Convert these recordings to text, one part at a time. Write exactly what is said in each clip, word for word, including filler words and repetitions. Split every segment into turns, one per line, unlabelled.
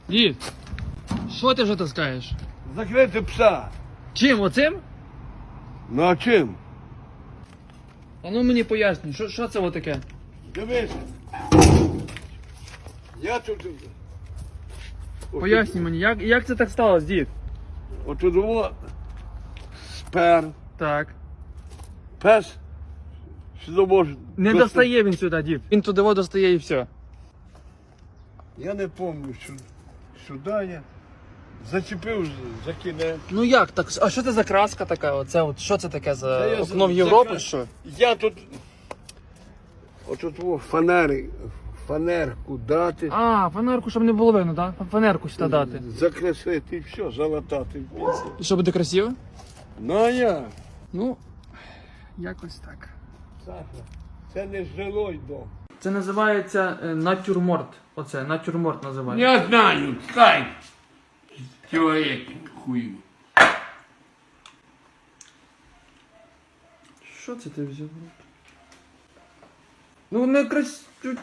Дід, що ти вже таскаєш?
Закрити пса.
Чим, оцим?
Ну а чим?
А ну мені пояснюй, що, що це таке?
Дивися. Я тут...
Пояснюй мені, як, як це так сталося, дід?
Отут було спер,
Так.
пес, сюди може...
Не
достати.
достає він сюди, дід. Він туди воду достає і все.
Я не пам'ятаю, що сюди я зачепив за кінець.
Ну як так? А що це за краска така? Оце от що це таке за
Це я
окно в
за-
Європу?
закра-
Що?
Я тут... Отут о, фанери, фанерку дати,
А, фанерку, щоб не було видно, так? Фанерку сюди дати.
закреслити і все, залатати.
І що буде красиво?
Ну а я,
Ну, якось так.
Саша, це не жилой дом.
Це називається е, натюрморт. Оце, натюрморт називається.
Я знаю, скай. Чоловік хую.
Що це ти взяв? Ну не крас...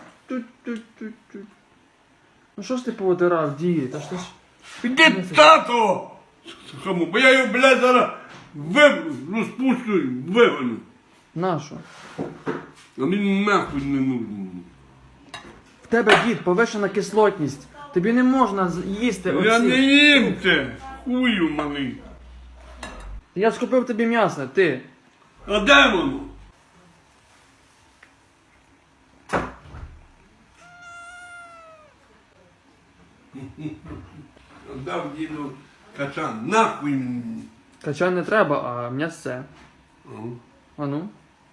Ну що ж ти повитирав, дід? Та що ж...
Іди тато! Кому? Бо я його, блядь, зараз вив... розпущу і вивину.
Нащо?
А мені нахуй не нужен.
В тебе, дід, повишена кислотність. Тобі не можна з- їсти оці...
Я не їм це, хую малий.
Я ж купив тобі м'ясо, ти.
А де воно? Дав діду качан, нахуй мені.
Качан не треба, а м'ясце.
Ага.
А ну?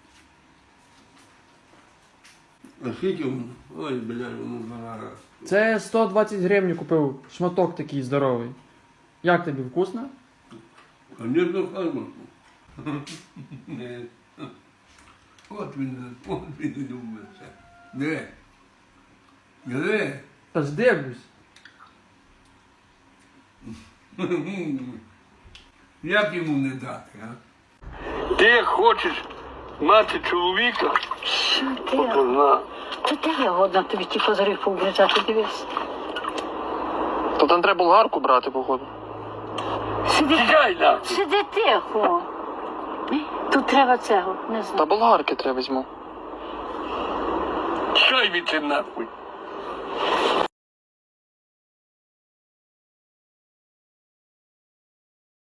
А скільки воно? Ой, блядь, воно зараз.
Це сто двадцять гривень купив, шматок такий здоровий. Як тобі, вкусно?
Конечно, фармаку. От він, от він любить це. Де? Де?
Та ж дивлюсь.
Як йому не дати, а? Ти хочеш мати чоловіка?
Що ти?
Позна.
Та де я годна тобі ті козирі пообрізати, дивись.
То там треба болгарку брати, походу.
Сиди,
Тікай нахуй.
сиди тихо. Тут треба цього, не знаю.
болгарки треба візьму.
Чай від нахуй.